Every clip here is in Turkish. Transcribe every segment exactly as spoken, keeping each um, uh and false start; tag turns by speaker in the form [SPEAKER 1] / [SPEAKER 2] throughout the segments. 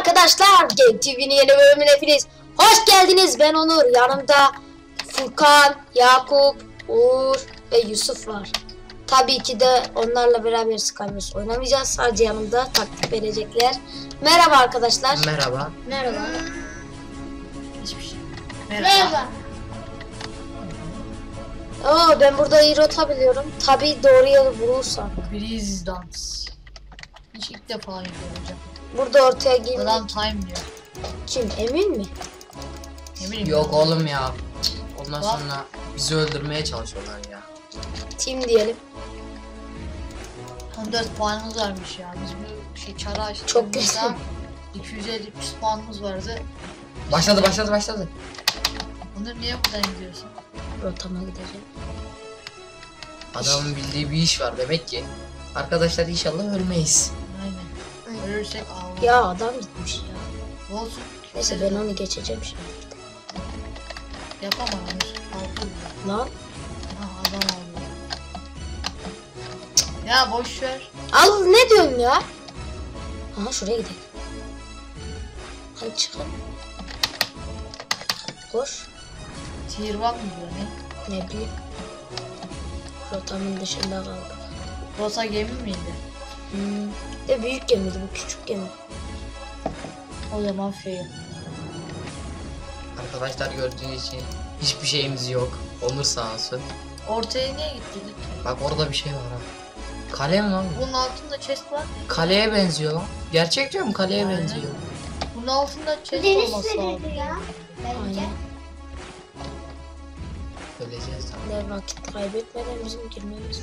[SPEAKER 1] arkadaşlar, Game T V'nin yeni bölümüne hepiniz hoş geldiniz. Ben Onur, yanımda Furkan, Yakup, Uğur ve Yusuf var. Tabii ki de onlarla beraber Skywars oynamayacağız. Sadece yanımda taktik verecekler. Merhaba arkadaşlar.
[SPEAKER 2] Merhaba.
[SPEAKER 1] Merhaba.
[SPEAKER 2] Hiçbir şey.
[SPEAKER 3] Merhaba.
[SPEAKER 1] Oo, ben burada iyi rota biliyorum. Tabii doğru yolu bulursam.
[SPEAKER 3] Breeze Dance. Hiç ilk defa göreceğim.
[SPEAKER 1] Burada ortaya girmek.
[SPEAKER 3] Adam time diyor.
[SPEAKER 1] Kim? Emin mi?
[SPEAKER 3] Eminim.
[SPEAKER 2] Yok oğlum ya. Ondan
[SPEAKER 3] Bak.
[SPEAKER 2] sonra bizi öldürmeye çalışıyorlar ya.
[SPEAKER 1] Team diyelim.
[SPEAKER 3] on dört puanımız varmış ya. Biz bu şey çara açtık.
[SPEAKER 1] Çok güzel.
[SPEAKER 3] iki yüz elli puanımız vardı.
[SPEAKER 2] Başladı başladı başladı.
[SPEAKER 3] Onur niye buradan gidiyorsun?
[SPEAKER 1] Rotama gideceğim.
[SPEAKER 2] Adamın bildiği bir iş var demek ki. Arkadaşlar inşallah ölmeyiz.
[SPEAKER 3] Aynen. Ölürsek ağlar.
[SPEAKER 1] Ya adam gitmiş ya.
[SPEAKER 3] Olsun.
[SPEAKER 1] Neyse ben onu geçeceğim şimdi.
[SPEAKER 3] Yapamam Onur. Kalkıyor.
[SPEAKER 1] Lan.
[SPEAKER 3] Ha adam aldı. Ya boş ver.
[SPEAKER 1] Al, ne diyorsun ya? Aha, şuraya gidelim. Hadi çıkalım. Koş.
[SPEAKER 3] Tier var mı burada ne?
[SPEAKER 1] Ne bileyim. Rotamın dışında kaldı.
[SPEAKER 3] Rota gemi miydi?
[SPEAKER 1] Hmm. De büyük gemiydi, bu küçük gemi.
[SPEAKER 3] O zaman fail.
[SPEAKER 2] Arkadaşlar gördüğünüz için hiçbir şeyimiz yok. Onur sağ olsun.
[SPEAKER 3] Ortaya niye gitti?
[SPEAKER 2] Bak orada bir şey var ha. Kale mi lan bu?
[SPEAKER 3] Bunun altında chest var.
[SPEAKER 2] Kaleye benziyor lan. Gerçek diyorum, kaleye
[SPEAKER 3] Aynen.
[SPEAKER 2] benziyor.
[SPEAKER 3] Bunun altında chest
[SPEAKER 4] Deniz
[SPEAKER 3] olması lazım.
[SPEAKER 4] sürüdü ya. Bence.
[SPEAKER 1] Aynen.
[SPEAKER 2] Öleceğiz tamam.
[SPEAKER 1] Ne vakit kaybetmeden bizim girmemiz.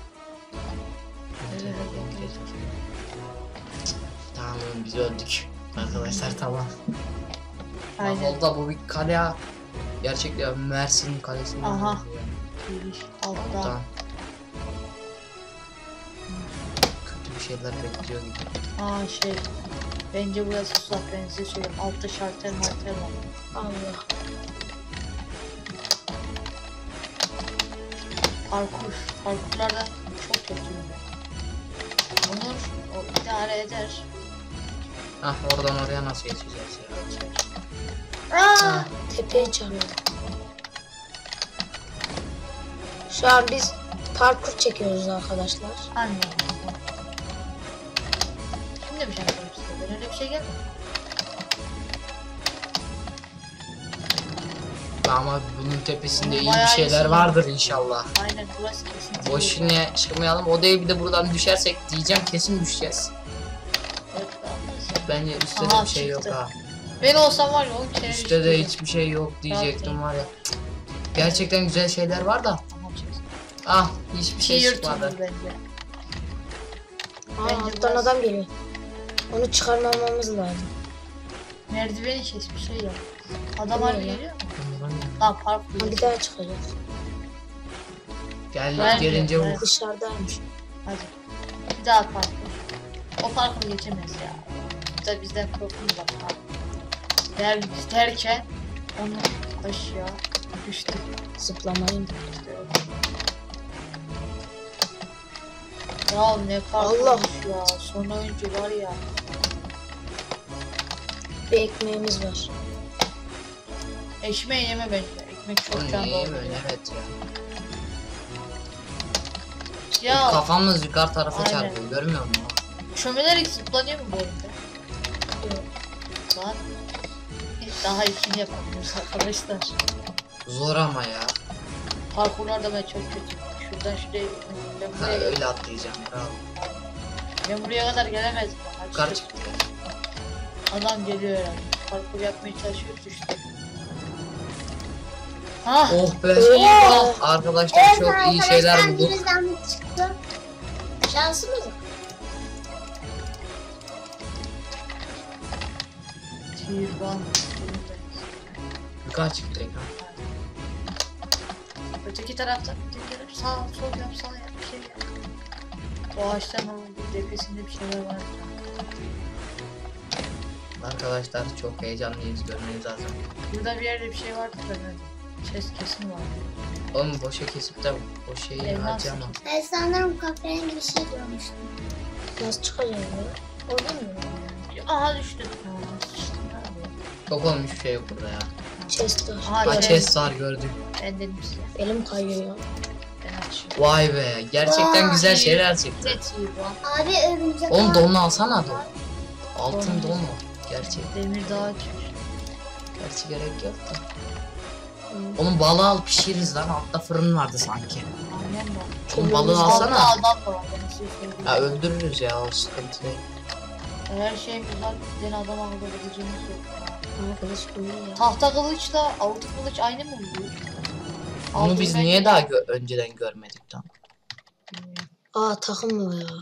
[SPEAKER 2] Tamam biz öldük. Arkadaşlar tamam.
[SPEAKER 3] Aynen.
[SPEAKER 2] Oldu bu bir kale ya. Gerçekten Mersin kalesi.
[SPEAKER 3] Aha. Giriş altta.
[SPEAKER 2] Tamam. Kötü bir şeyler bekliyor gibi.
[SPEAKER 3] Aa şey. Bence burası uzak, ben size söyleyeyim. Altta şartel martel var.
[SPEAKER 1] Allah.
[SPEAKER 3] Parkur. Parkurlardan çok kötüyüm ben. Onur o idare eder.
[SPEAKER 2] Ah oradan oraya nasıl geçeceğiz ya?
[SPEAKER 4] Aa,
[SPEAKER 1] Tepeye çarpıyor. Şu an biz parkur çekiyoruz arkadaşlar.
[SPEAKER 3] Anne. Kim demiş arkadaşlar? Ben öyle bir şey gelmedi.
[SPEAKER 2] Ama bunun tepesinde iyi bir
[SPEAKER 3] Bayağı
[SPEAKER 2] şeyler
[SPEAKER 3] iyi.
[SPEAKER 2] vardır inşallah.
[SPEAKER 3] Aynen burası kesin.
[SPEAKER 2] Boş yine çıkmayalım. O değil, bir de buradan düşersek diyeceğim kesin düşeceğiz.
[SPEAKER 3] Evet, anlasın.
[SPEAKER 2] Bence üstte
[SPEAKER 3] Aha,
[SPEAKER 2] de bir şey yok
[SPEAKER 3] çıktı.
[SPEAKER 2] ha.
[SPEAKER 3] Ben olsam var ya on kere
[SPEAKER 2] Üstte de
[SPEAKER 3] düştüm.
[SPEAKER 2] hiçbir şey yok diyecektim
[SPEAKER 3] Zaten.
[SPEAKER 2] var ya. Cık. Gerçekten güzel şeyler var da.
[SPEAKER 3] Tamam çıksın.
[SPEAKER 2] Ah hiçbir şey
[SPEAKER 3] Tier
[SPEAKER 2] çıkmadı.
[SPEAKER 3] two bence.
[SPEAKER 1] Aa,
[SPEAKER 3] Bence
[SPEAKER 1] alttan
[SPEAKER 3] biraz-
[SPEAKER 1] adam geliyor. Onu çıkarmamamız lazım.
[SPEAKER 3] Merdiveni kes bir şey yap. Adam
[SPEAKER 1] Bu ne
[SPEAKER 3] harbi
[SPEAKER 1] ya?
[SPEAKER 3] geliyor mu? Lan parkur.
[SPEAKER 1] Ha, bir daha çıkacağız.
[SPEAKER 2] Gel
[SPEAKER 3] Ben-
[SPEAKER 2] gelince
[SPEAKER 3] ben-
[SPEAKER 2] vur.
[SPEAKER 1] Dışarıdaymış.
[SPEAKER 3] Hadi. Bir daha parkur. O parkur geçemez ya. Bu da bizden korkunç bak. ha. Der, derken onu aşağı düştü.
[SPEAKER 1] Zıplamayın.
[SPEAKER 3] Ya ne parkurmuş
[SPEAKER 1] Allah.
[SPEAKER 3] ya. Son oyuncu var ya.
[SPEAKER 1] Bir ekmeğimiz var.
[SPEAKER 3] Ekmeği yeme bence. Ekmek çok
[SPEAKER 2] Bu
[SPEAKER 3] can
[SPEAKER 2] niye
[SPEAKER 3] dolduruyor.
[SPEAKER 2] böyle, evet ya.
[SPEAKER 3] Ya
[SPEAKER 2] Kafamız yukarı tarafa
[SPEAKER 3] Aynen.
[SPEAKER 2] çarpıyor, görmüyor musun?
[SPEAKER 3] çömelerek zıplanıyor mu bu oyunda? Yok. Lan. Daha ikini yapamıyoruz arkadaşlar.
[SPEAKER 2] Zor ama ya.
[SPEAKER 3] Parkurlarda ben çok kötüyüm. Şuradan şuraya gitmek. Ben
[SPEAKER 2] Ha,
[SPEAKER 3] buraya,
[SPEAKER 2] öyle atlayacağım. Bravo.
[SPEAKER 3] ben buraya kadar gelemezdim. Hadi
[SPEAKER 2] Yukarı
[SPEAKER 3] çık.
[SPEAKER 2] çıktı.
[SPEAKER 3] Adam geliyor herhalde. Parkur yapmaya çalışıyor, düştü. Ah!
[SPEAKER 2] Oh be.
[SPEAKER 1] Oh!
[SPEAKER 2] Arkadaşlar
[SPEAKER 4] evet
[SPEAKER 2] çok iyi şeyler
[SPEAKER 4] arkadaşlar
[SPEAKER 2] bulduk.
[SPEAKER 4] bir zahmet çıktı. Şansımız yok.
[SPEAKER 3] Tier one.
[SPEAKER 2] Yukarı çıktı direkt ha.
[SPEAKER 3] Öteki taraftan, öteki taraf sağ, sol yap, sağ yap, bir şey yap. O ağaçtan o tepesinde bir şeyler var.
[SPEAKER 2] Arkadaşlar çok heyecanlıyız, görmeniz lazım.
[SPEAKER 3] Burada bir yerde bir şey vardı da ben. Ses kesin vardı.
[SPEAKER 2] Oğlum boşa kesip de o şeyi
[SPEAKER 3] Elmas
[SPEAKER 2] harcama.
[SPEAKER 4] Ben sanırım kahverengi bir şey görmüştüm.
[SPEAKER 1] Nasıl çıkacağız ya?
[SPEAKER 4] Orada mı?
[SPEAKER 3] Aha düştü.
[SPEAKER 2] Yok oğlum hiçbir şey yok burada ya.
[SPEAKER 1] Chest var.
[SPEAKER 3] Aha,
[SPEAKER 2] Ha
[SPEAKER 3] evet.
[SPEAKER 2] chest var gördüm.
[SPEAKER 3] Ben dedim size.
[SPEAKER 1] Elim kayıyor ya.
[SPEAKER 3] Ben açıyorum.
[SPEAKER 2] Vay be gerçekten
[SPEAKER 4] Vay.
[SPEAKER 2] güzel şeyler çıktı.
[SPEAKER 3] Net iyi bu.
[SPEAKER 4] Abi örümcek
[SPEAKER 2] Oğlum
[SPEAKER 4] ağ-
[SPEAKER 2] donunu alsana don. Altın
[SPEAKER 3] Don.
[SPEAKER 2] don mu? Gerçi,
[SPEAKER 3] Demir daha açıyor.
[SPEAKER 2] gerçi gerek yok da. Oğlum balığı al pişiririz lan, altta fırın vardı sanki.
[SPEAKER 3] Aynen mi?
[SPEAKER 2] Oğlum balığı
[SPEAKER 3] Altta
[SPEAKER 2] alsana.
[SPEAKER 3] adam da var. Ben size söyleyeyim.
[SPEAKER 2] Ya öldürürüz ya, o sıkıntı değil.
[SPEAKER 3] Her şeyimiz var. Bir tane adam akıllı kılıcımız yok.
[SPEAKER 1] Arkadaş bunu ya.
[SPEAKER 3] Tahta kılıçla altın kılıç aynı mı oluyor?
[SPEAKER 2] Bunu
[SPEAKER 3] Altın
[SPEAKER 2] biz
[SPEAKER 3] ben-
[SPEAKER 2] niye daha gö- önceden görmedik lan?
[SPEAKER 3] Bilmiyorum.
[SPEAKER 1] Aa takım mı ya?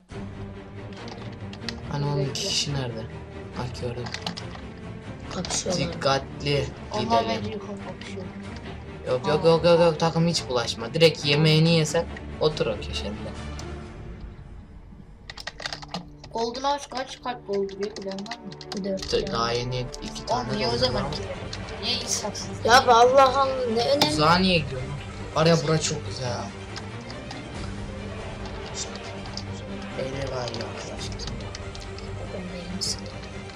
[SPEAKER 2] Hani onun iki kişi nerede? Bak gördüm.
[SPEAKER 1] Kapışıyorlar.
[SPEAKER 2] Dikkatli
[SPEAKER 3] Onlar bence
[SPEAKER 2] gidelim.
[SPEAKER 3] yukarı kapışıyor.
[SPEAKER 2] Yok yok yok yok yok takım hiç bulaşma. Direkt yemeğini yesen otur o köşende.
[SPEAKER 3] Golden House kaç kalp dolduruyor bilen var mı?
[SPEAKER 1] Dört ya.
[SPEAKER 2] Daha yeni iki
[SPEAKER 3] Oğlum
[SPEAKER 2] tane
[SPEAKER 3] niye o
[SPEAKER 2] doldu
[SPEAKER 3] zaman
[SPEAKER 2] lan.
[SPEAKER 3] ki? Niye insafsız?
[SPEAKER 1] Ya be Allah Allah ne önemli.
[SPEAKER 2] Uzağa niye gidiyorsun? Var ya bura çok güzel. Eyle var ya arkadaşlar.
[SPEAKER 1] Ben de elimi sıktım.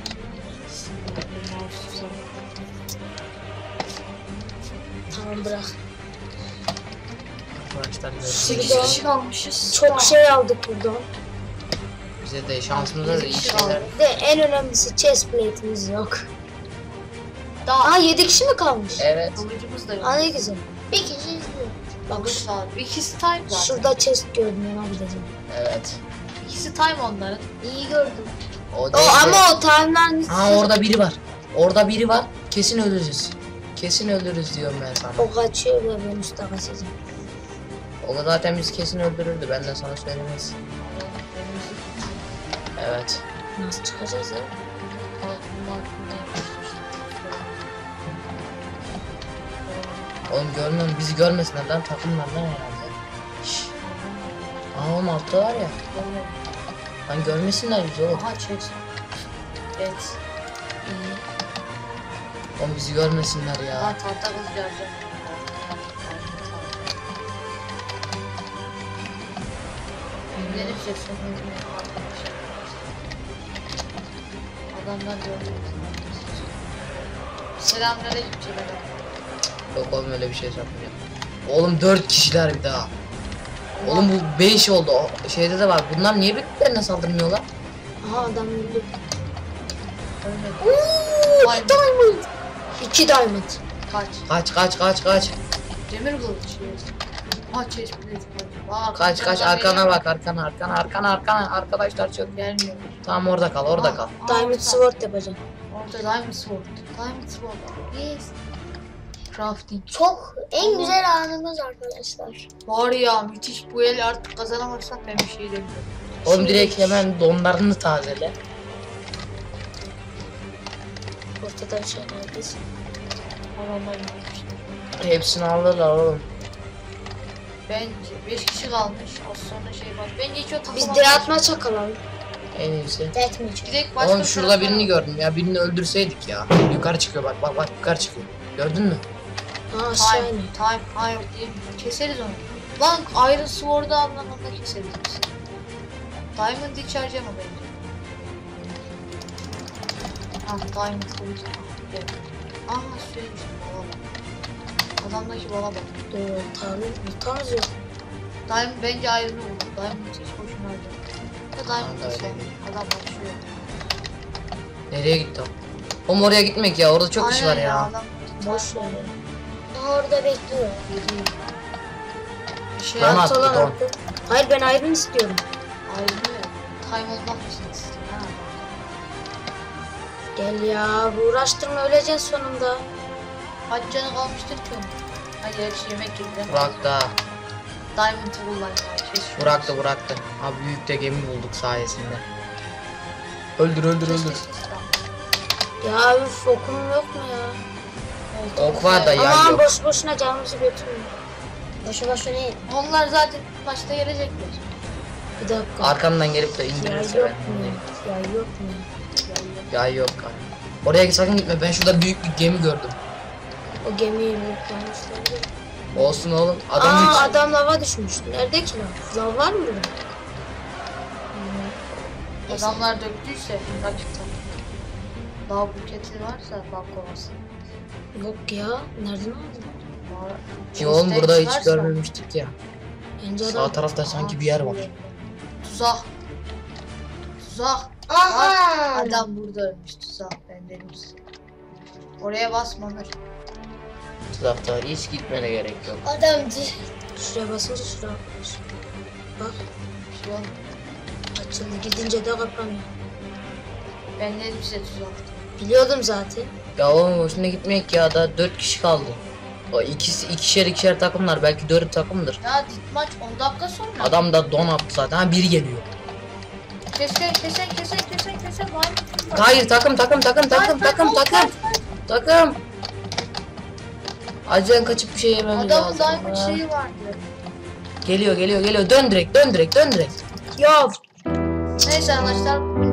[SPEAKER 1] Tamam bırak.
[SPEAKER 2] Arkadaşlar
[SPEAKER 1] Şurada-
[SPEAKER 2] görüşürüz.
[SPEAKER 3] kişi kalmışız.
[SPEAKER 1] Çok şey aldık buradan.
[SPEAKER 2] Bize de şansımıza da iyi şeyler.
[SPEAKER 1] De en önemlisi chest plate'imiz yok.
[SPEAKER 3] Daha
[SPEAKER 1] Aa yedi kişi mi kalmış?
[SPEAKER 2] Evet.
[SPEAKER 3] kılıcımız da yok.
[SPEAKER 1] Aa ne güzel.
[SPEAKER 4] Bir kişi izliyor.
[SPEAKER 1] Bak
[SPEAKER 3] Kılıç
[SPEAKER 1] şu-
[SPEAKER 3] var. İkisi time zaten.
[SPEAKER 1] şurada chest gördüm ona gideceğim.
[SPEAKER 2] Evet.
[SPEAKER 3] İkisi time onların.
[SPEAKER 4] İyi gördüm.
[SPEAKER 2] O,
[SPEAKER 1] O
[SPEAKER 2] değil de-
[SPEAKER 1] ama o timeline'ın
[SPEAKER 2] Ha orada biri var. Orada biri var. Kesin ölürüz. Kesin ölürüz diyorum ben sana.
[SPEAKER 1] o kaçıyor ve ben üstte kaçacağım.
[SPEAKER 2] O zaten bizi kesin öldürürdü. Ben de sana söylemez. Evet.
[SPEAKER 1] Nasıl çıkacağız ya?
[SPEAKER 2] Oğlum görmem bizi görmesinler lan, takımlar lan herhalde. Şşş. Aa oğlum altta var ya. Lan görmesinler bizi oğlum.
[SPEAKER 3] Aha chest. Evet.
[SPEAKER 2] Oğlum bizi görmesinler ya.
[SPEAKER 3] Aha tahta kılıç geleceğim. Benim sesim. Adamlar gördü. Selamünaleyküm selam.
[SPEAKER 2] Yok oğlum öyle bir şey yapmayacağım. Oğlum dört kişiler bir daha. Oğlum bu beş oldu. O şeyde de var. Bunlar niye birbirlerine saldırmıyorlar?
[SPEAKER 1] Aha adam öldü.
[SPEAKER 3] Ölmedi.
[SPEAKER 1] Uuu
[SPEAKER 3] Diamond.
[SPEAKER 1] diamond. İki diamond.
[SPEAKER 3] Kaç.
[SPEAKER 2] Kaç kaç kaç kaç.
[SPEAKER 3] Demir kılıç. Ha chest plate. Bak,
[SPEAKER 2] Kaç kaç
[SPEAKER 3] adam
[SPEAKER 2] arkana
[SPEAKER 3] geliyor.
[SPEAKER 2] bak, arkana arkana arkana arkana. Arkadaşlar çok.
[SPEAKER 3] Gelmiyor.
[SPEAKER 2] Tamam orada kal, orada
[SPEAKER 3] Aa,
[SPEAKER 2] kal.
[SPEAKER 3] aa,
[SPEAKER 1] Diamond
[SPEAKER 3] orada.
[SPEAKER 1] sword yapacağım.
[SPEAKER 3] Orada diamond sword. Diamond sword. Yes. Crafting.
[SPEAKER 4] Çok en güzel anımız arkadaşlar.
[SPEAKER 3] Var ya müthiş, bu el artık kazanamazsak ben bir şey demiyorum.
[SPEAKER 2] Oğlum
[SPEAKER 1] Şimdi-
[SPEAKER 2] direkt hemen donlarını tazele.
[SPEAKER 1] Ortada bir şey neredesin?
[SPEAKER 3] Adamlar gitmişler.
[SPEAKER 2] Hepsini alırlar oğlum.
[SPEAKER 3] Bence beş kişi kalmış. Az sonra şey var. Bence hiç o takıma
[SPEAKER 1] Biz diratma çakalım.
[SPEAKER 2] En iyisi.
[SPEAKER 4] Detmeyeceğim.
[SPEAKER 3] Direkt başka
[SPEAKER 2] Oğlum
[SPEAKER 3] bir
[SPEAKER 2] şurada
[SPEAKER 3] tarafa-
[SPEAKER 2] birini gördüm ya, birini öldürseydik ya. Yukarı çıkıyor bak bak bak, yukarı çıkıyor. Gördün mü?
[SPEAKER 1] Ha aşağı
[SPEAKER 3] Time,
[SPEAKER 1] iniyor.
[SPEAKER 3] time, hayır diye keseriz onu. Lan Iron Sword'u anlamında keseriz biz. Diamond hiç harcama bence. Ah Diamond kılıcı. Gel. Aha suymuş bala bak. Adamdaki bala bak.
[SPEAKER 1] Dur tanrım. Tanrım yok.
[SPEAKER 3] Diamond bence Iron'ı bulur. Diamond hiç boşuna harcama. Ya Diamond
[SPEAKER 2] Ben de
[SPEAKER 3] ise
[SPEAKER 2] öyle diyeyim.
[SPEAKER 3] adam başlıyor.
[SPEAKER 2] Nereye gitti o? Oğlum oraya gitmek ya, orada çok iş var
[SPEAKER 3] Aynen
[SPEAKER 2] ya.
[SPEAKER 3] Adam
[SPEAKER 1] Boş ver.
[SPEAKER 4] Aha orada bekliyor.
[SPEAKER 3] Geliyor. Bir şey
[SPEAKER 2] Don
[SPEAKER 3] yap.
[SPEAKER 2] attı,
[SPEAKER 1] Sola
[SPEAKER 2] don.
[SPEAKER 1] attı. Hayır ben iron istiyorum.
[SPEAKER 3] Iron'ı ya. Time olmak için istiyor. Ha.
[SPEAKER 1] Gel ya uğraştırma öleceksin sonunda.
[SPEAKER 3] Kaç canı kalmıştır ki onun? Hayır gerçi yemek yedi.
[SPEAKER 2] Burak da,
[SPEAKER 3] Diamond'ı kullan ya. Keşke.
[SPEAKER 2] Burak da bıraktı. Abi büyük de gemi bulduk sayesinde. Öldür öldür öldür.
[SPEAKER 1] Ya üf okum yok mu ya?
[SPEAKER 2] Ok var da yay
[SPEAKER 1] Aman
[SPEAKER 2] yok.
[SPEAKER 1] boş boşuna canımızı götürme.
[SPEAKER 4] Boşu boşuna değil.
[SPEAKER 3] Onlar zaten başta gelecekler.
[SPEAKER 1] Bir dakika.
[SPEAKER 2] Arkamdan gelip de
[SPEAKER 1] Yay
[SPEAKER 2] indirirse
[SPEAKER 1] yok
[SPEAKER 2] ben.
[SPEAKER 1] mu? Yay yok mu?
[SPEAKER 2] Yay yok kanka. Oraya sakın gitme, ben şurada büyük bir gemi gördüm.
[SPEAKER 1] O gemiyi yüklemişler.
[SPEAKER 2] Olsun oğlum. Adam
[SPEAKER 1] Aa
[SPEAKER 2] üç.
[SPEAKER 1] adam lava düşmüş. Nerede ki lav? Lav var mı burada?
[SPEAKER 3] Adamlar döktüyse rakipten. Dağ buketi varsa bal kovası.
[SPEAKER 1] Yok ya. Nereden aldın?
[SPEAKER 3] Var.
[SPEAKER 2] Ya oğlum
[SPEAKER 3] Chest'e
[SPEAKER 2] burada hiç
[SPEAKER 3] varsa-
[SPEAKER 2] görmemiştik ya.
[SPEAKER 1] Bence
[SPEAKER 2] Sağ
[SPEAKER 1] adam.
[SPEAKER 2] tarafta sanki bir yer var.
[SPEAKER 3] Tuzak. Tuzak.
[SPEAKER 4] Aha.
[SPEAKER 3] Adam burada ölmüş tuzak. Ben dedim size. Oraya basma Ömer.
[SPEAKER 2] Tuzakta hiç gitmene gerek yok.
[SPEAKER 4] Adam
[SPEAKER 1] Şuraya basınca şuraya atmış. Bak
[SPEAKER 3] Bir şey olmadı.
[SPEAKER 1] açıldı. Gidince de kapanıyor.
[SPEAKER 3] Ben dedim size tuzak.
[SPEAKER 1] Biliyordum zaten.
[SPEAKER 2] Ya oğlum hoşuna gitmeyek ya, da dört kişi kaldı. O ikisi ikişer ikişer takımlar, belki dört takımdır.
[SPEAKER 3] Ya dit maç on dakika sonra.
[SPEAKER 2] Adam da don attı zaten. Ha, biri geliyor.
[SPEAKER 3] Kesen kesen kesen kesen kesen var mı?
[SPEAKER 2] Hayır, takım takım takım takım takım takım takım. Acilen kaçıp bir şey yememiz
[SPEAKER 3] Adamın
[SPEAKER 2] lazım.
[SPEAKER 3] diamond
[SPEAKER 2] Ha.
[SPEAKER 3] şeyi vardı.
[SPEAKER 2] Geliyor geliyor geliyor, dön direkt dön direkt dön direkt.
[SPEAKER 1] Ya
[SPEAKER 3] Neyse arkadaşlar bu